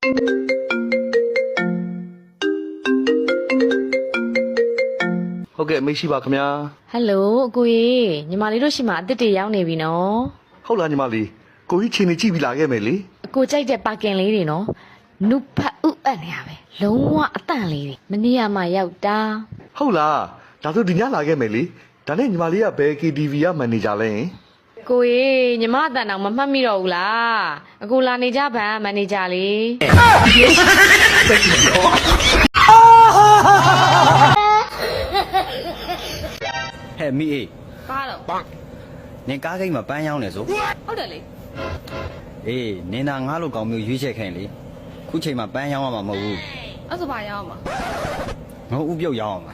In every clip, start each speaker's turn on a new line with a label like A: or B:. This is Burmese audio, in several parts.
A: ဟုတ်ကဲ့မိတ်ရှိပါခင်ဗျာ
B: ဟယ်လိုအကိုကြီးညီမလေးတို့ရှိမှအစ်စ်တွေရောက်နေပြီနော်
A: ဟုတ်လားညီမလေးကိုကြီးချိန်နေကြည့်ပြီးလာခဲ့မယ်လေ
B: အကိုကြိုက်တဲ့ပါကင်လေးတွေနော်နုဖတ်ဥအပ်နေရပဲလုံးဝအတန့်လေးတွေမနေ့ကမှရောက်တာ
A: ဟုတ်လားဒါဆိုဒီညလာခဲ့မယ်လေဒါနဲ့ညီမလေးကဘယ် KTV ကမန်နေဂျာလဲ
B: ကိုကြီးညီမအတန်တော့မမှတ်မိတော့ဘူးလားအကိုလာနေကြဗန်မန်နေဂျာလေး
C: ဟဲ့မိအေး
B: ပါတော့
C: နင်ကားကိတ်မှာပန်းရောင်းနေဆို
B: ဟုတ်တယ်လေ
C: အေးနင်သာငါ့လိုကောင်မျိုးရွေးချက်ခိုင်းလေခုချိန်မှာပန်းရောင်းရမှာမဟုတ်ဘူး
B: အဲ့ဆိုပါရောင်းမှာ
C: ငါဥပြုတ်ရောင်းအောင်ပါ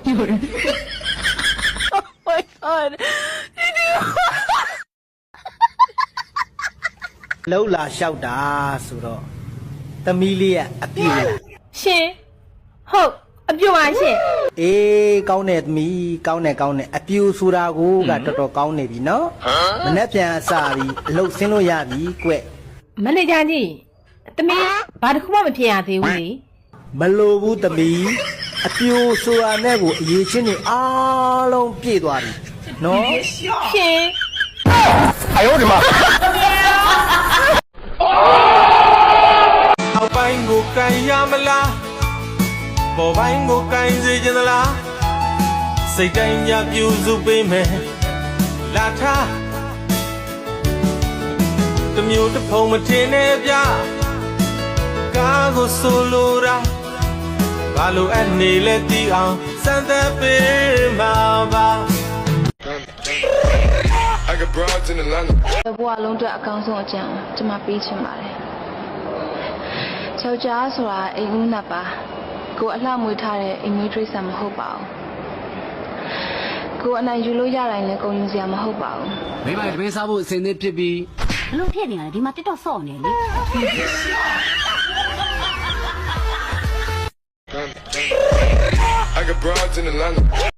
D: လှုပ်လာလျှောက်တာဆိုတော့သမီးလေးကအပြည့်လား
B: ရှင်ဟုတ်အပြည့်ပါရှင်
D: အေးကောင်းတယ်သမီးကောင်းတယ်အပြည့်ဆိုတာကိုကတော်တော်ကောင်းနေပြီနော်မနေ့ပြန်အစားပြီးအလုပ်ဆင်းလို့ရပြီကွ
B: မန်နေဂျာကြီးသမီးဘာတစ်ခုမှမဖြစ်ရသေးဘူးလေ
D: မလိုဘူးသမီးအပြည့်ဆိုတာနဲ့ကိုအရေးချင်းနေအားလုံးပြည့်သွားပြီနော်
B: ရှင်
A: 哎呦我的妈
E: အောက်ပိုင်းကိုကန်ရမလားပေါ်ပိုင်းကိုကန်စေချင်သလားစိတ်တိုင်းညပြူစုပေးမယ်လာထားတမျိုးတစ်ဖုံမထင်နဲ့ဗျကားကိုဆိုလိုတာဘာလို့အနေလဲတီးအောင်စမ်းသပ်ပေးမှာပါ
F: I got broads in Atlanta
G: ဘဝလုံးအတွက်အကောင်းဆုံးအကြံကျွန်မပေးချင်ပါတယ်။ယောက်ျားဆိုတာအိမ်ဦးနတ်ပါကိုအလှမွေးထားတဲ့အိမ်မွေးတိရစ္ဆာန်မဟုတ်ပါဘူး။ကိုအနိုင်ယူလို့ရတိုင်းလည်းကုန်ယူစရာမဟုတ်ပါဘူး
H: ။မိမတပင်းစားဖို့အစင်းသစ်ဖြစ်ပြီး
I: ဘလို့ဖြစ်နေရလဲဒီမှာတက်တော့ဆော့နေလေ။
F: I got broads in Atlanta